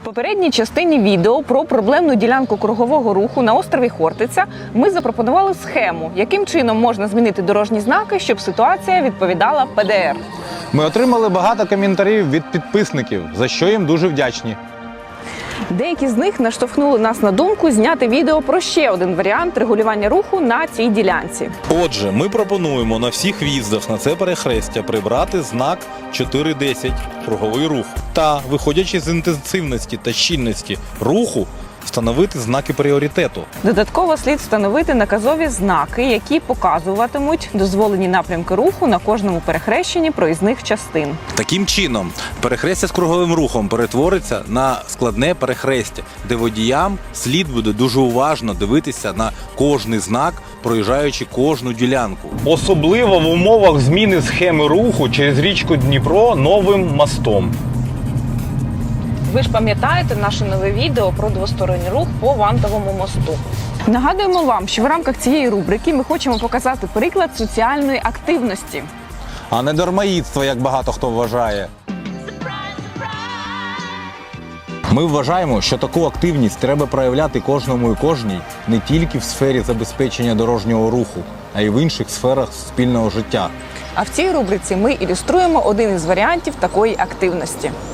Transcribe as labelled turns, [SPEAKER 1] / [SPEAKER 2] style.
[SPEAKER 1] В попередній частині відео про проблемну ділянку кругового руху на острові Хортиця ми запропонували схему, яким чином можна змінити дорожні знаки, щоб ситуація відповідала ПДР.
[SPEAKER 2] Ми отримали багато коментарів від підписників, за що їм дуже вдячні.
[SPEAKER 1] Деякі з них наштовхнули нас на думку зняти відео про ще один варіант регулювання руху на цій ділянці.
[SPEAKER 3] Отже, ми пропонуємо на всіх в'їздах на це перехрестя прибрати знак 4.10 круговий рух та, виходячи з інтенсивності та щільності руху, встановити знаки пріоритету.
[SPEAKER 1] Додатково слід встановити наказові знаки, які показуватимуть дозволені напрямки руху на кожному перехрещенні проїзних частин.
[SPEAKER 3] Таким чином, перехрестя з круговим рухом перетвориться на складне перехрестя, де водіям слід буде дуже уважно дивитися на кожний знак, проїжджаючи кожну ділянку.
[SPEAKER 2] Особливо в умовах зміни схеми руху через річку Дніпро новим мостом.
[SPEAKER 1] Ви ж пам'ятаєте наше нове відео про двосторонній рух по Вантовому мосту. Нагадуємо вам, що в рамках цієї рубрики ми хочемо показати приклад соціальної активності.
[SPEAKER 2] А не дармоїдство, як багато хто вважає. Ми вважаємо, що таку активність треба проявляти кожному і кожній не тільки в сфері забезпечення дорожнього руху, а й в інших сферах спільного життя.
[SPEAKER 1] А в цій рубриці ми ілюструємо один із варіантів такої активності.